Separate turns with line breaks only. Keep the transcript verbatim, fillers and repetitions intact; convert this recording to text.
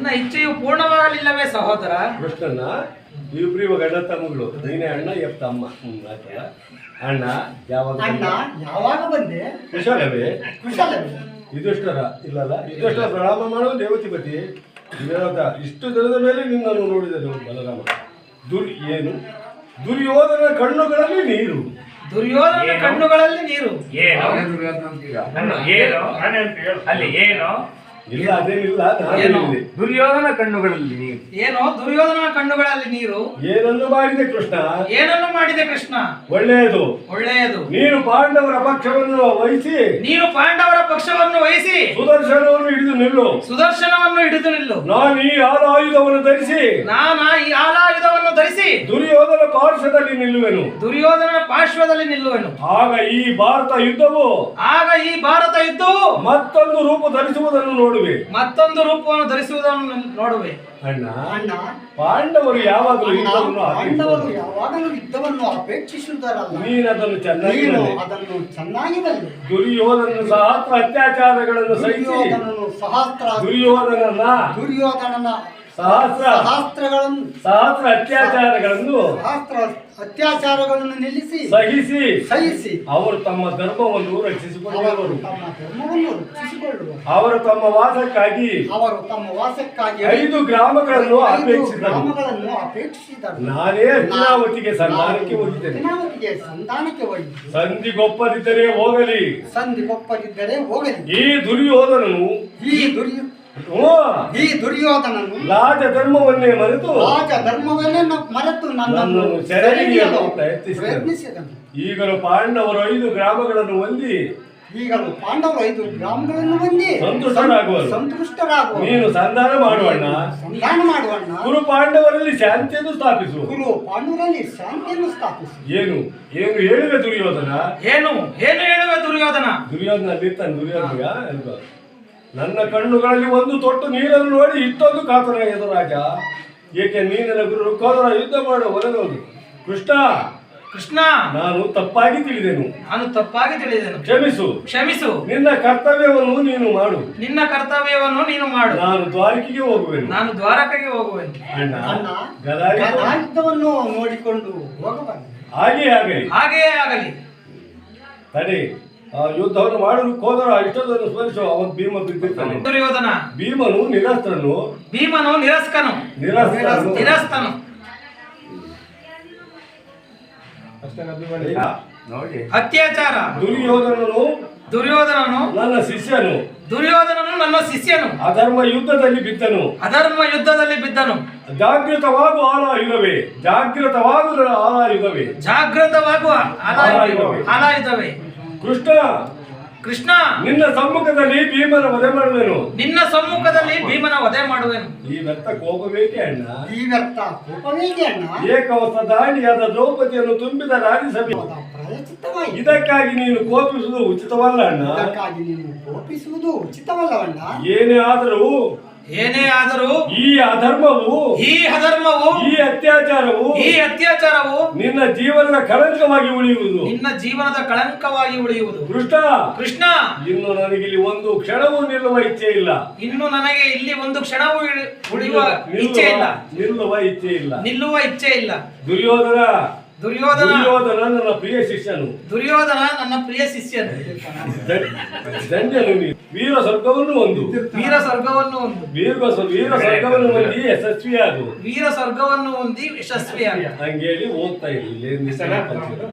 ನಿನ್ನ ಇಚ್ಛೆಯು ಪೂರ್ಣವಾಗಲಿಲ್ಲವೇ ಸಹೋದರ?
ಕೃಷ್ಣನ ಇಬ್ರಿವ ಗಂಡ ತಮ್ಮಗಳು, ನೀನೇ ಅಣ್ಣ ಎಪ್ಪ ತಮ್ಮ. ಹ್ಮ್ ಆಯ್ತಲ್ಲ. ಅಣ್ಣ ಯಾವಾಗ
ಅಣ್ಣ ಯಾವಾಗ ಬಂದೆ?
ಕುಶಲವೇ?
ಕುಶಲವೇ.
ಯುಧಿಷ್ಠರ ಇಲ್ಲಲ್ಲ, ಯುಧಿಷ್ಠರ ಪ್ರಣಾಮ ಮಾಡುವ ದೇವತಿಪತಿ. ವಿರೋಧ ಇಷ್ಟು ದಿನದ ಮೇಲೆ ನಿನ್ನನ್ನು ನೋಡಿದರು ಬಲರಾಮ. ದುರ್ ಏನು ದುರ್ಯೋಧನ ಕಣ್ಣುಗಳಲ್ಲಿ ನೀರು.
ದುರ್ಯೋಧನ ಕಣ್ಣುಗಳಲ್ಲಿ ನೀರು.
ಏನು ಏನು ಅಲ್ಲಿ ಏನು
ಇಲ್ಲ ಅದೇನಿಲ್ಲ, ನಾನು
ಏನು?
ಹೇಳಿದೆ.
ದುರ್ಯೋಧನ ಕಣ್ಣುಗಳಲ್ಲಿ ನೀರು.
ಏನೋ ದುರ್ಯೋಧನ ಕಣ್ಣುಗಳಲ್ಲಿ ನೀರು.
ಏನನ್ನು ಮಾಡಿದೆ ಕೃಷ್ಣ?
ಏನನ್ನು ಮಾಡಿದೆ ಕೃಷ್ಣ?
ಒಳ್ಳೆಯದು.
ಒಳ್ಳೆಯದು.
ನೀನು ಪಾಂಡವರ ಪಕ್ಷವನ್ನು ವಹಿಸಿ
ನೀನು ಪಾಂಡವರ ಪಕ್ಷವನ್ನು ವಹಿಸಿ
ಸುದರ್ಶನವನ್ನು ಹಿಡಿದು ನಿಲ್ಲು.
ಸುದರ್ಶನವನ್ನು ಹಿಡಿದು ನಿಲ್ಲು.
ನಾನು ಈ ಆಲಾಯುಧವನ್ನು ಧರಿಸಿ
ನಾನ ಈ ಆಲಾಯುಧವನ್ನು ಧರಿಸಿ
ದುರ್ಯೋಧನ ಪಾರ್ಶ್ವದಲ್ಲಿ ನಿಲ್ಲುವೆನು.
ದುರ್ಯೋಧನ ಪಾರ್ಶ್ವದಲ್ಲಿ ನಿಲ್ಲುವೆನು.
ಆಗ ಈ ಭಾರತ ಯುದ್ಧವು
ಆಗ ಈ ಭಾರತ ಯುದ್ಧವು
ಮತ್ತೊಂದು ರೂಪ ಧರಿಸುವುದನ್ನು ನೋಡುವೆ.
ಮತ್ತೊಂದು ರೂಪವನ್ನು ಧರಿಸುವುದನ್ನು ನೋಡುವೆ.
ಅಣ್ಣ
ಅಣ್ಣ
ಪಾಂಡವರು ಯಾವಾಗಲೂ ಯುದ್ಧವನ್ನು
ಪಾಂಡವರು
ಅಪೇಕ್ಷಿಸುವರು.
ಯಾವಾಗಲೂ ಯುದ್ಧವನ್ನು ಅಪೇಕ್ಷಿಸುತ್ತಾರಲ್ಲ,
ನೀನದನ್ನು ಚೆನ್ನಾಗಿ
ನೀನು
ಬಲ್ಲೆ.
ಅದನ್ನು ಚೆನ್ನಾಗಿ ಬಲ್ಲೆ.
ದುರ್ಯೋಧನ ಸಹಸ್ರ ಅತ್ಯಾಚಾರಗಳನ್ನು ಸಹಿಸಿ
ದುರ್ಯೋಧನನು ಸಹಸ್ರ
ದುರ್ಯೋಧನನ
ದುರ್ಯೋಧನನ
ಸಹಸ್ರ
ಸಹಸ್ರಗಳನ್ನು
ಸಹಸ್ರ ಅತ್ಯಾಚಾರಗಳನ್ನು
ಸಹಸ್ರ ಅತ್ಯಾಚಾರಗಳನ್ನು ನಿಲ್ಲಿಸಿ
ಸಹಿಸಿ
ಸಹಿಸಿ
ಅವರು ತಮ್ಮ ಧರ್ಮವನ್ನು
ಅವರು
ರಕ್ಷಿಸಿಕೊಳ್ಳುವರು.
ತಮ್ಮ ಧರ್ಮವನ್ನು ರಕ್ಷಿಸಿಕೊಳ್ಳುವರು.
ಅವರು ತಮ್ಮ ವಾಸಕ್ಕಾಗಿ
ಅವರು ತಮ್ಮ ವಾಸಕ್ಕಾಗಿ
ಐದು ಗ್ರಾಮಗಳನ್ನು
ಐದು
ಅಪೇಕ್ಷಿಸಿದರು.
ಗ್ರಾಮಗಳನ್ನು ಅಪೇಕ್ಷಿಸಿದರು.
ನಾನೇ ಹಸ್ತಿನಾವತಿಗೆ ಸಂಧಾನಕ್ಕೆ ಹೋಗಿದ್ದೇನೆ.
ಹಸ್ತಿನಾವತಿಗೆ ಸಂಧಾನಕ್ಕೆ ಹೋಗಿ
ಸಂಧಿಗೊಪ್ಪದಿದ್ದರೆ ಹೋಗಲಿ.
ಸಂಧಿಗೊಪ್ಪದಿದ್ದರೆ ಹೋಗಲಿ.
ಈ ದುರ್ಯೋಧನನು
ಈ ದುರ್ಯೋ
ಹ್ಞೂ,
ಈ ದುರ್ಯೋಧನನು
ರಾಜ ಧರ್ಮವನ್ನೇ ಮರೆತು
ರಾಜ ಧರ್ಮವನ್ನೇ ನ- ಮರೆತು ನನ್ನನ್ನು
ನನ್ನನ್ನು ಸೆರೆಹಿಡಿಯಲು
ಸೆರೆಹಿಡಿಯಲು
ಪ್ರಯತ್ನಿಸಿದನು.
ಪ್ರಯತ್ನಿಸಿದನು.
ಈಗಲೂ ಪಾಂಡವರು ಐದು ಗ್ರಾಮಗಳನ್ನು ಹೊಂದಿ
ಈಗಲೂ ಪಾಂಡವರು ಐದು ಗ್ರಾಮಗಳನ್ನು ಹೊಂದಿ
ಸಂತುಷ್ಟರಾಗುವರು.
ಸಂತುಷ್ಟರಾಗುವ
ನೀನು ಸಂಧಾನ ಮಾಡುವಣ್ಣ.
ಸಂಧಾನ ಮಾಡುವಣ್ಣ.
ಕುರು ಪಾಂಡವರಲ್ಲಿ ಶಾಂತಿಯನ್ನು ಸ್ಥಾಪಿಸು.
ಗುರು ಪಾಂಡವರಲ್ಲಿ ಶಾಂತಿಯನ್ನು ಸ್ಥಾಪಿಸಿ.
ಏನು ಏನು ಹೇಳುವೆ ದುರ್ಯೋಧನ?
ಏನು ಏನು ಹೇಳುವೆ ದುರ್ಯೋಧನ?
ದುರ್ಯೋಧನ ಅಲ್ಲಿರ್ತಾನೆ. ದುರ್ಯೋಧನ ಅಲ್ವಾ? ನನ್ನ ಕಣ್ಣುಗಳಲ್ಲಿ ಒಂದು ತೊಟ್ಟು ನೀರನ್ನು ನೋಡಿ ಇಷ್ಟೊಂದು ಕಾತನಾಗಿದ್ದು ರಾಜ. ಏಕೆ ನೀನ ಗುರು ಕೋದರ ಯುದ್ಧ ಮಾಡು ಹೊರಗೋದು. ಕೃಷ್ಣ,
ಕೃಷ್ಣ,
ನಾನು ತಪ್ಪಾಗಿ ತಿಳಿದೆನು,
ನಾನು ತಪ್ಪಾಗಿ ತಿಳಿದೆನು,
ಕ್ಷಮಿಸು.
ಕ್ಷಮಿಸು.
ನಿನ್ನ ಕರ್ತವ್ಯವನ್ನು ನೀನು ಮಾಡು,
ನಿನ್ನ ಕರ್ತವ್ಯವನ್ನು ನೀನು ಮಾಡು.
ನಾನು ದ್ವಾರಕಿಗೆ ಹೋಗುವೆನು.
ನಾನು ದ್ವಾರಕೆಗೆ ಹೋಗುವೆನು.
ಅಣ್ಣ
ಅಣ್ಣ
ಗದಾಯುಧ
ಗದಾಯುದ್ಧವನ್ನು ನೋಡಿಕೊಂಡು ಹೋಗಬಾರದು.
ಹಾಗೆ ಆಗಲಿ.
ಹಾಗೆಯೇ ಆಗಲಿ.
ತಡೆ, ಆ ಯುದ್ಧವನ್ನು ಮಾಡಲು ಕೋದರ ಇಷ್ಟೊಂದನ್ನು ಸ್ಮರಿಸು. ಅವನು ಭೀಮ ಬಿದ್ದಿರ್ತಾನೆ.
ದುರ್ಯೋಧನ
ಭೀಮನು ನಿರಸ್ತ್ರನು.
ಭೀಮನು ನಿರಸ್ಕನು
ನಿರಸ್ತ್ರನು
ನಿರಸ್ತನು.
ನೋಡಿ
ಅತ್ಯಾಚಾರ.
ದುರ್ಯೋಧನನು
ದುರ್ಯೋಧನನು
ನನ್ನ ಶಿಷ್ಯನು.
ದುರ್ಯೋಧನನು ನನ್ನ ಶಿಷ್ಯನು.
ಅಧರ್ಮ ಯುದ್ಧದಲ್ಲಿ ಬಿದ್ದನು.
ಅಧರ್ಮ ಯುದ್ಧದಲ್ಲಿ ಬಿದ್ದನು.
ಜಾಗೃತವಾಗು ಆಲಾಯುಧವೇ, ಜಾಗೃತವಾಗು ಆಲಾಯುಧವೇ.
ಜಾಗೃತವಾಗುವ ಆಲಾಯುಧವೇ ಆಲಾಯುಧವೇ.
ಕೃಷ್ಣ,
ಕೃಷ್ಣ,
ನಿನ್ನ ಸಮ್ಮುಖದಲ್ಲಿ ಭೀಮನ ವಧೆ ಮಾಡುವೆನು.
ನಿನ್ನ ಸಮ್ಮುಖದಲ್ಲಿ ಭೀಮನ ವಧೆ ಮಾಡುವೆನು.
ಈ ವ್ಯರ್ಥ ಕೋಪಬೇಕೆ ಅಣ್ಣ?
ಈ ವ್ಯರ್ಥ ಕೋಪವೇಗೆ ಅಣ್ಣ?
ಏಕವಸ್ತ್ರ ದಾಳಿಯಾದ ದ್ರೌಪದಿಯನ್ನು ತುಂಬಿದ ರಾಜ್ಯಸಭೆ.
ಪ್ರಾಯಚಿತ್ತವಾಯಿತು.
ಇದಕ್ಕಾಗಿ ನೀನು ಕೋಪಿಸುವುದು ಉಚಿತವಲ್ಲ ಅಣ್ಣ.
ಇದಕ್ಕಾಗಿ ನೀನು ಕೋಪಿಸುವುದು ಉಚಿತವಲ್ಲವಣ್ಣ.
ಏನೇ ಆದರೂ
ಏನೇ ಆದರೂ
ಈ ಅಧರ್ಮವು,
ಈ ಅಧರ್ಮವು,
ಈ ಅತ್ಯಾಚಾರವು
ಈ ಅತ್ಯಾಚಾರವು
ನಿನ್ನ ಜೀವನದ ಕಳಂಕವಾಗಿ ಉಳಿಯುವುದು.
ನಿನ್ನ ಜೀವನದ ಕಳಂಕವಾಗಿ ಉಳಿಯುವುದು.
ಕೃಷ್ಣ,
ಕೃಷ್ಣ,
ಇನ್ನು ನನಗಿಲ್ಲಿ ಒಂದು ಕ್ಷಣವೂ ನಿಲ್ಲುವ ಇಚ್ಛೆ ಇಲ್ಲ.
ಇನ್ನು ನನಗೆ ಇಲ್ಲಿ ಒಂದು ಕ್ಷಣವೂ ಇಳಿ- ಉಳಿಯುವ ಇಚ್ಛೆ ಇಲ್ಲ.
ನಿಲ್ಲುವ ಇಚ್ಛೆ ಇಲ್ಲ.
ನಿಲ್ಲುವ ಇಚ್ಛೆ ಇಲ್ಲ.
ದುರ್ಯೋಧನ
ದುರ್ಯೋಧನ
ದುರ್ಯೋಧನ ನನ್ನ ಪ್ರಿಯ ಶಿಷ್ಯನು.
ದುರ್ಯೋಧನ ನನ್ನ ಪ್ರಿಯ ಶಿಷ್ಯನು.
ದಂಜನು ನೀನು. ವೀರ ಸ್ವರ್ಗವನ್ನು ಒಂದು.
ವೀರ ಸ್ವರ್ಗವನ್ನು ಒಂದು.
ವೀರ ವೀರ ಸ್ವರ್ಗವನ್ನು ಹೊಂದಿ ಯಶಸ್ವಿಯಾಗು.
ವೀರ ಸ್ವರ್ಗವನ್ನು ಹೊಂದಿ ಯಶಸ್ವಿಯಾಗ.
ಹಂಗೇಳಿ ಹೋಗ್ತಾ ಇರಲಿ.